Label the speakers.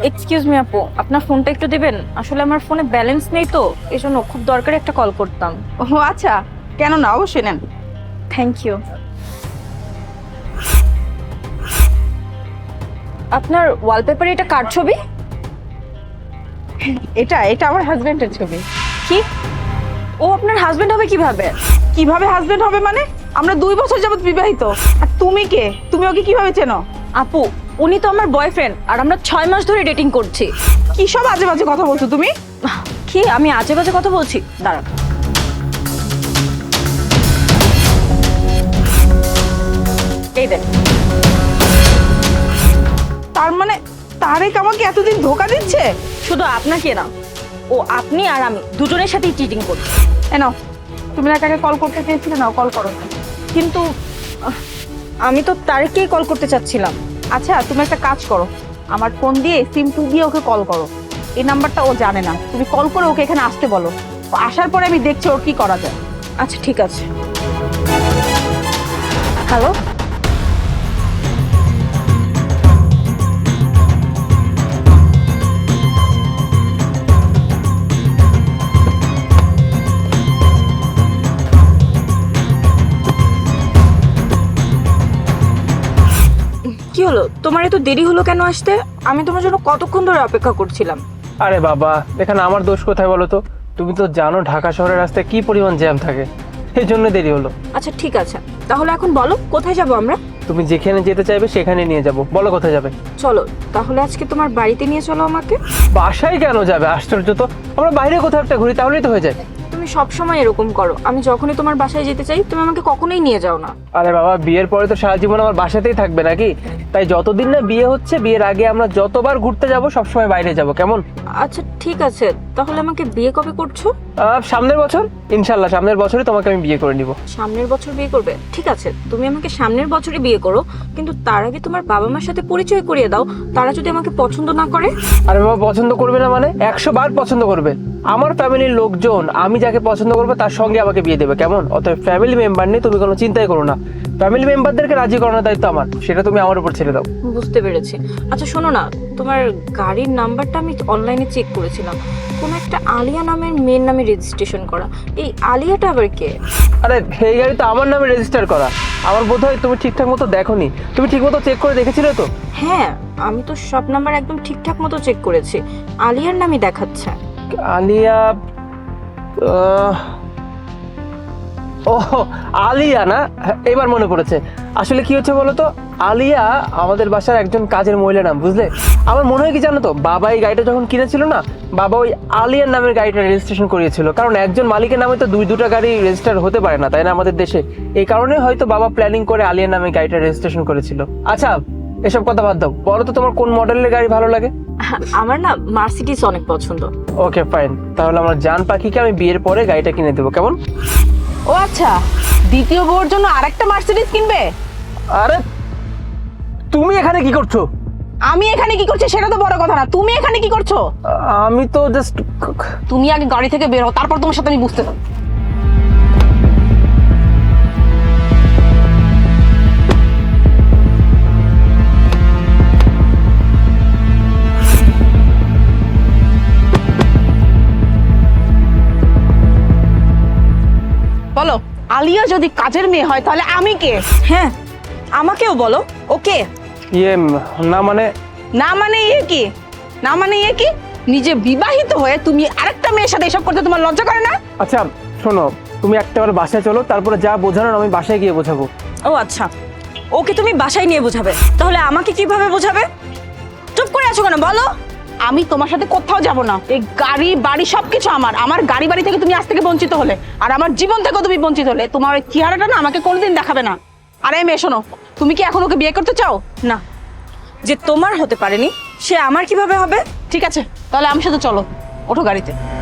Speaker 1: Excuse me আপু, আপনার ফোনটা একটু দিবেন? আসলে আমার ফোনে ব্যালেন্স নেই তো, এজন্য খুব দরকারি একটা কল করতাম।
Speaker 2: ও আচ্ছা, কেন না, অবশ্যই নেন।
Speaker 1: Thank you. আপনার ওয়ালপেপারে এটা কার ছবি?
Speaker 2: এটা এটা আমার হাজবেন্ডের ছবি।
Speaker 1: কি? ও আপনার হাজবেন্ড হবে কিভাবে?
Speaker 2: কিভাবে হাজবেন্ড হবে মানে? আমরা 2 বছর যাবত বিবাহিত। আর তুমি কে? তুমি ওকে কিভাবে চেনো?
Speaker 1: আপু, উনি তো আমার বয়ফ্রেন্ড, আর আমরা 6 মাস ধরে ডেটিং করছি।
Speaker 2: কি সব আজে বাজে কথা বলছো তুমি?
Speaker 1: কি আমি আজে বাজে কথা বলছি? দাঁড়ান। এই দেখ।
Speaker 2: তার মানে তারেক আমাকে এতদিন ধোকা দিচ্ছে?
Speaker 1: শুধু আপনাকে না, ও আপনি আর আমি দুজনের সাথেই চিটিং করছি।
Speaker 2: এনো, তুমি না কাকে কল করতে চেয়েছিলে, নাও কল করো।
Speaker 1: কিন্তু আমি তো তারেককেই কল করতে চাচ্ছিলাম।
Speaker 2: আচ্ছা, তুমি একটা কাজ করো, আমার ফোন দিয়ে সিম 2 দিয়ে ওকে কল করো। এই নাম্বারটা ও জানে না, তুমি কল করে ওকে এখানে আসতে বলো। ও আসার পরে আমি দেখছি ওর কি করা যায়।
Speaker 1: আচ্ছা ঠিক আছে। হ্যালো, কি হলো? তোমার এত দেরি হলো কেন আসতে? আমি তোমার জন্য কতক্ষণ ধরে অপেক্ষা করছিলাম।
Speaker 3: আরে বাবা, এখানে আমার দোষ কোথায় বলো তো? তুমি তো জানো ঢাকা শহরের রাস্তায় কি পরিমাণ জ্যাম থাকে, এই জন্য দেরি হলো।
Speaker 1: আচ্ছা ঠিক আছে, তাহলে এখন বলো কোথায় যাব আমরা?
Speaker 3: তুমি যেখানে যেতে চাইবে সেখানে নিয়ে যাব, বলো কোথায় যাবে।
Speaker 1: চলো তাহলে আজকে তোমার বাড়িতে নিয়ে চলো আমাকে।
Speaker 3: বাসায় কেন যাবে? আশ্চর্য তো, আমরা বাইরে কোথাও একটা ঘুরি তাহলেই তো হয়ে যায়।
Speaker 1: তুমি সব সময় এরকম করো, আমি যখনই তোমার বাসায় যেতে চাই তুমি আমাকে কখনোই নিয়ে যাও না।
Speaker 3: আরে বাবা, বিয়ের পরে তো সারা জীবন আমার বাসাতেই থাকবে নাকি? তাই যতদিন না বিয়ে হচ্ছে, বিয়ের আগে আমরা যতবার ঘুরতে যাব সবসময় বাইরে যাব, কেমন?
Speaker 1: আচ্ছা ঠিক আছে, তাহলে আমাকে বিয়ে কবে করছো?
Speaker 3: সামনের বছর, ইনশাল্লাহ সামনের বছরই তোমাকে আমি বিয়ে করে নিব।
Speaker 1: সামনের বছর বিয়ে করবে? ঠিক আছে, তুমি আমাকে সামনের বছরই বিয়ে করো, কিন্তু তার আগে তোমার বাবা মার সাথে পরিচয় করিয়ে দাও। তারা যদি আমাকে পছন্দ না করে?
Speaker 3: আরে বাবা, পছন্দ করবে না মানে 100 বার পছন্দ করবে। আমার ফ্যামিলির লোকজন আমি যাকে পছন্দ করবো তার সঙ্গে আমাকে বিয়ে দেবে, কেমন? অতএব ফ্যামিলি মেম্বার নিয়ে তুমি কোনো চিন্তাই করো না। ফ্যামিলি মেম্বারদেরকে রাজি করানোর দায়িত্ব আমার, সেটা তুমি আমার উপর ছেড়ে দাও।
Speaker 1: বুঝতে পেরেছি। আচ্ছা শোনো না, তোমার গাড়ির নাম্বারটা আমি অনলাইনে চেক করেছিলাম, কোনো একটা আলিয়া নামের মেয়ের নামে রেজিস্ট্রেশন করা। এই আলিয়াটা আবার কে?
Speaker 3: আরে এই গাড়ি তো আমার নামে রেজিস্টার করা। আমার বোধ হয় তুমি ঠিকঠাক মতো দেখোনি। তুমি ঠিক মতো চেক করে দেখেছিলে তো?
Speaker 1: হ্যাঁ, আমি তো সব নাম্বার একদম ঠিকঠাক মতো চেক করেছি, আলিয়ার নামই দেখাচ্ছে।
Speaker 3: আলিয়া, ও আলিয়া না, এবার মনে পড়েছে। আসলে কি হচ্ছে বলো তো, আলিয়া আমাদের বাসার একজন কাজের মহিলা নাম, বুঝলে? আমার মনে হয় কি জানো তো, বাবা এই গাড়িটা যখন কিনেছিল না, বাবা ওই আলিয়ার নামের গাড়িটা রেজিস্ট্রেশন করিয়েছিল। কারণ একজন মালিকের নামে তো দুটা গাড়ি রেজিস্টার হতে পারে না, তাই না আমাদের দেশে? এই কারণে হয়তো বাবা প্ল্যানিং করে আলিয়ার নামে গাড়িটা রেজিস্ট্রেশন করেছিল। আচ্ছা এসব কথা বাদ দাও, বলো তো তোমার কোন মডেলের গাড়ি ভালো লাগে?
Speaker 1: আমার না মার্সিডিজ অনেক পছন্দ।
Speaker 3: ওকে ফাইন, তাহলে আমার জান পাখিকে আমি বিয়ের পরে গাড়িটা কিনে দেবো, কেমন?
Speaker 2: ও আচ্ছা, দ্বিতীয় বউর জন্য আরেকটা মার্সিডিজ কিনবে?
Speaker 3: আরে তুমি এখানে কি করছো?
Speaker 2: আমি এখানে কি করছি সেটা তো বড় কথা না, তুমি এখানে কি করছো?
Speaker 3: আমি তো জাস্ট,
Speaker 2: তুমি আগে গাড়ি থেকে বের হও, তারপর তোমার সাথে আমি বুঝতে পারবো। বলো, আলিয়া যদি কাজের মেয়ে হয় তাহলে আমি কে?
Speaker 1: হ্যাঁ, আমাকেও বলো ওকে।
Speaker 3: ইয়ে না মানে,
Speaker 2: না মানে ইয়ে কি? না মানে ইয়ে কি? নিজে বিবাহিত হয়ে তুমি আরেকটা মেয়ের সাথে এসব করতে তোমার লজ্জা করে না?
Speaker 3: আচ্ছা শোনো, তুমি একটাবার বাসায় চলো, তারপরে যা বোঝানোর আমি বাসায় গিয়ে বোঝাবো।
Speaker 1: ও আচ্ছা, ওকে তুমি বাসায় নিয়ে বোঝাবে, তাহলে আমাকে কিভাবে বোঝাবে? চুপ করে আছো কেন, বলো।
Speaker 2: আমি তোমার সাথে কোথাও যাব না। এই গাড়ি বাড়ি সবকিছু আমার। আমার গাড়ি বাড়ি থেকে তুমি আজ থেকে বঞ্চিত হলে, আর আমার জীবন থেকেও তুমি বঞ্চিত হলে। তোমার ওই চেহারাটা না আমাকে কোনোদিন দেখাবে না। আরে মেয়ে শোনো, তুমি কি এখন ওকে বিয়ে করতে চাও?
Speaker 1: না, যে তোমার হতে পারেনি সে আমার কিভাবে হবে?
Speaker 2: ঠিক আছে, তাহলে আমার সাথে চলো, ওঠো গাড়িতে।